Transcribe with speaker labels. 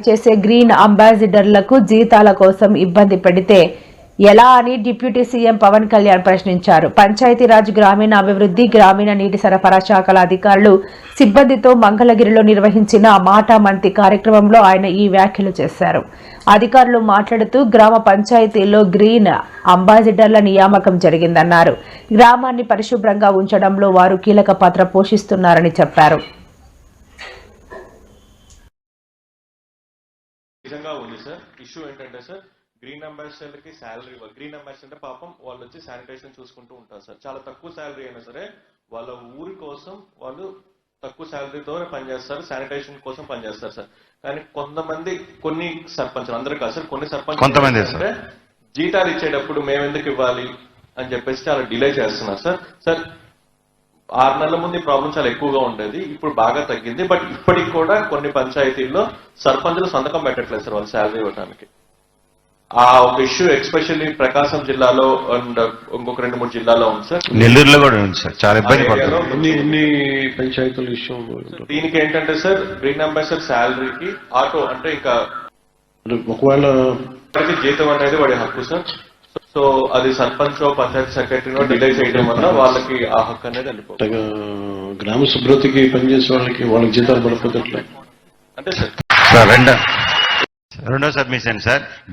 Speaker 1: పనిచేసే గ్రీన్ అంబాసిడర్లకు జీతాల కోసం ఇబ్బంది పెడితే ఎలా అని డిప్యూటీ సీఎం పవన్ కళ్యాణ్ ప్రశ్నించారు. పంచాయతీరాజ్, గ్రామీణాభివృద్ధి, గ్రామీణ నీటి సరఫరా శాఖల అధికారులు సిబ్బందితో మంగళగిరిలో నిర్వహించిన మాటామంతి కార్యక్రమంలో ఆయన ఈ వ్యాఖ్యలు చేశారు. అధికారులు మాట్లాడుతూ గ్రామ పంచాయతీల్లో గ్రీన్ అంబాసిడర్ల నియామకం జరిగిందన్నారు. గ్రామాన్ని పరిశుభ్రంగా ఉంచడంలో వారు కీలక పాత్ర పోషిస్తున్నారని చెప్పారు.
Speaker 2: గ్రీన్ అంబాసిడర్ కి శాలరీ ఇవ్వాలి. గ్రీన్ అంబాసిడర్ పాపం వాళ్ళు వచ్చి శానిటేషన్ చూసుకుంటూ ఉంటారు సార్. చాలా తక్కువ శాలరీ అయినా సరే వాళ్ళ ఊరి కోసం వాళ్ళు తక్కువ శాలరీతో పనిచేస్తారు, శానిటేషన్ కోసం పనిచేస్తారు సార్. కానీ కొంతమంది, కొన్ని సర్పంచులు, అందరూ కాదు సార్, కొన్ని సర్పంచ్ జీతాలు ఇచ్చేటప్పుడు మేము ఎందుకు ఇవ్వాలి అని చెప్పేసి చాలా డిలే చేస్తున్నారు సార్. సార్ 6 నెలల ముందు ఈ ప్రాబ్లం చాలా ఎక్కువగా ఉండేది, ఇప్పుడు బాగా తగ్గింది. బట్ ఇప్పటికి కూడా కొన్ని పంచాయతీల్లో సర్పంచులు సంతకం పెట్టట్లేదు సార్ వాళ్ళు శాలరీ ఇవ్వడానికి. ఆ ఒక ఇష్యూ ఎస్పెషల్లీ ప్రకాశం జిల్లాలో అండ్ ఇంకొక 2-3 జిల్లాలో ఉంది సార్.
Speaker 3: నెల్లూరులో కూడా ఉంది సార్. చాలా ఇబ్బంది పడుతుంది.
Speaker 4: పంచాయతీల ఇష్యూ.
Speaker 2: దీనికి ఏంటంటే సార్, గ్రీన్ అంబాసిడర్ శాలరీకి ఆటో అంటే ఇంకా
Speaker 4: ఒకవేళ
Speaker 2: జీతం అనేది వాడి హక్కు సార్. సో అది సర్పంచ్, పంచాయతీ సెక్రటరీనో డిలే చేయడం వల్ల వాళ్ళకి ఆ హక్కు అనేది వెళ్ళిపోతుంది.
Speaker 4: గ్రామ శుభ్రతకి పనిచేసే వాళ్ళకి జీతాలు పడిపోతే
Speaker 2: అంటే సార్
Speaker 3: రెండో సబ్మిషన్ సార్,